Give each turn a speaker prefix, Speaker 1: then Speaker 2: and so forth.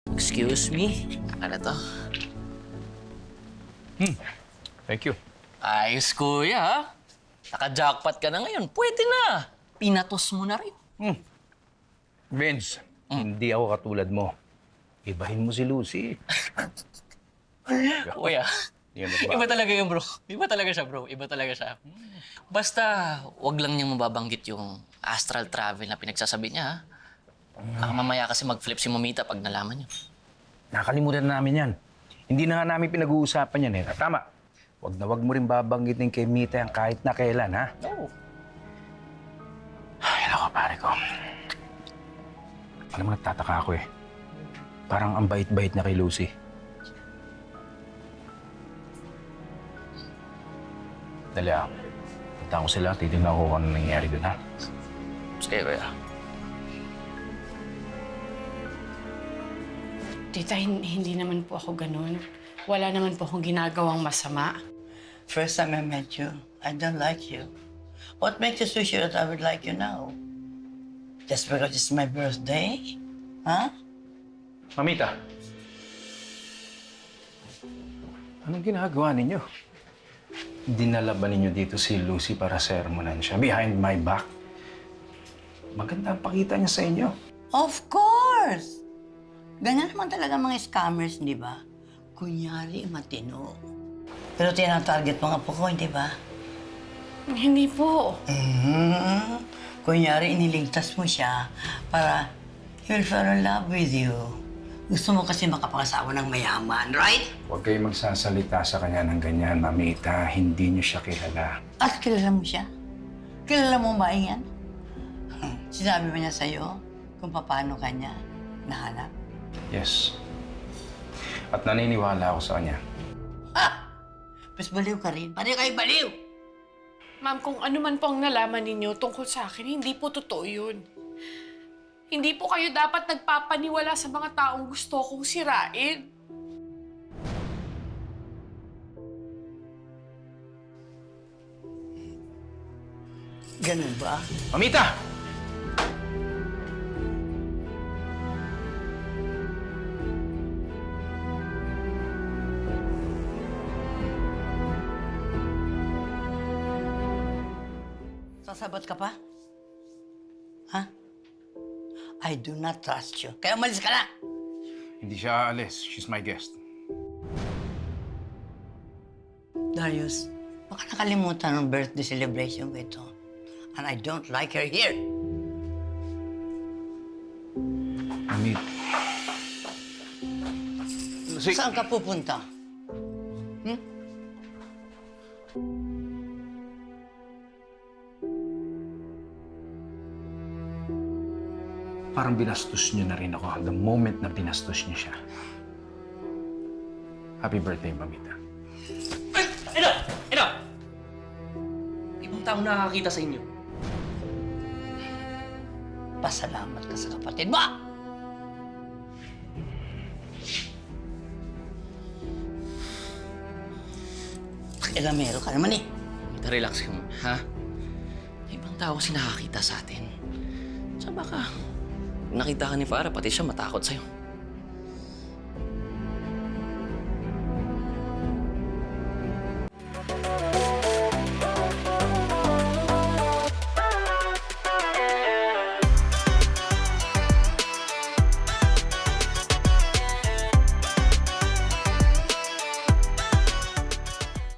Speaker 1: Excuse me? Ano to?
Speaker 2: Thank you.
Speaker 1: Ayos, kuya, ha? Naka-jackpot ka na ngayon. Pwede na. Pinatos mo na rin.
Speaker 2: Vince, hindi ako katulad mo. Ibahin mo si Lucy.
Speaker 1: Kuya,
Speaker 2: Yan ba?
Speaker 1: iba talaga yung bro. Iba talaga siya, bro. Iba talaga siya. Basta, wag lang niyang mababanggit yung astral travel na pinagsasabi niya, ha? Baka mamaya kasi mag-flip si Mamita pag nalaman niyo.
Speaker 2: Nakalimutan na namin yan. Hindi na nga namin pinag-uusapan yan eh. Tama. Wag mo rin babanggitin kay Mita yan kahit na kailan, ha?
Speaker 1: Oo.
Speaker 2: Ay, nako, pare ko. Alam mo, nagtataka ako eh. Parang ang bait-bait na kay Lucy. Dali ah. Punta ko sila, titignan ko kung ano nangyari dun, ha?
Speaker 1: Sige, kuya.
Speaker 3: Tita, hindi naman po ako ganun. Wala naman po akong ginagawang masama.
Speaker 4: First time I met you, I don't like you. What makes you so sure that I would like you now? Just because it's my birthday? Huh?
Speaker 2: Mamita. Anong ginagawa ninyo? Dinala ba ninyo dito si Lucy para sermonan siya behind my back? Maganda ang pakita niya sa inyo.
Speaker 4: Of course! Ganyan naman talaga mga scammers, di ba? Kunyari, matino. Pero tinatarget mga po ko, di ba?
Speaker 3: Hindi po.
Speaker 4: Kunyari, iniligtas mo siya para he will fall in love with you. Gusto mo kasi makapangasawa ng mayaman, right?
Speaker 2: Huwag kayong magsasalita sa kanya ng ganyan, Mamita. Hindi niyo siya kilala.
Speaker 4: At kilala mo siya? Kilala mo ba yan? Sinabi ba niya sa'yo kung paano kanya nahanap?
Speaker 2: Yes. At naniniwala ako sa kanya.
Speaker 4: Mas baliw ka rin. Paano kayo baliw?
Speaker 3: Ma'am, kung ano man po ang nalaman ninyo tungkol sa akin, hindi po totoo yun. Hindi po kayo dapat nagpapaniwala sa mga taong gusto kong sirain.
Speaker 4: Ganun ba?
Speaker 2: Mamita!
Speaker 4: Sasabot ka pa? Ha? I do not trust you. Kaya umalis ka na!
Speaker 2: Hindi siya aalis. She's my guest.
Speaker 4: Darius, baka nakalimutan ng birthday celebration ko ito. And I don't like her here.
Speaker 2: Mamit. Lucy!
Speaker 4: Saan ka pupunta?
Speaker 2: Parang binastos niyo na rin ako the moment na binastos niyo siya. Happy birthday, Mamita.
Speaker 1: Ino! Ibang taong nakakakita sa inyo.
Speaker 4: Pasalamat ka sa kapatid mo! Pakialamero ka naman eh.
Speaker 1: Mamita, relax ka muna, ha? Ibang tao kasi nakakita sa atin. Sa baka, nakita ka ni Farah, pati siya matakot sa'yo.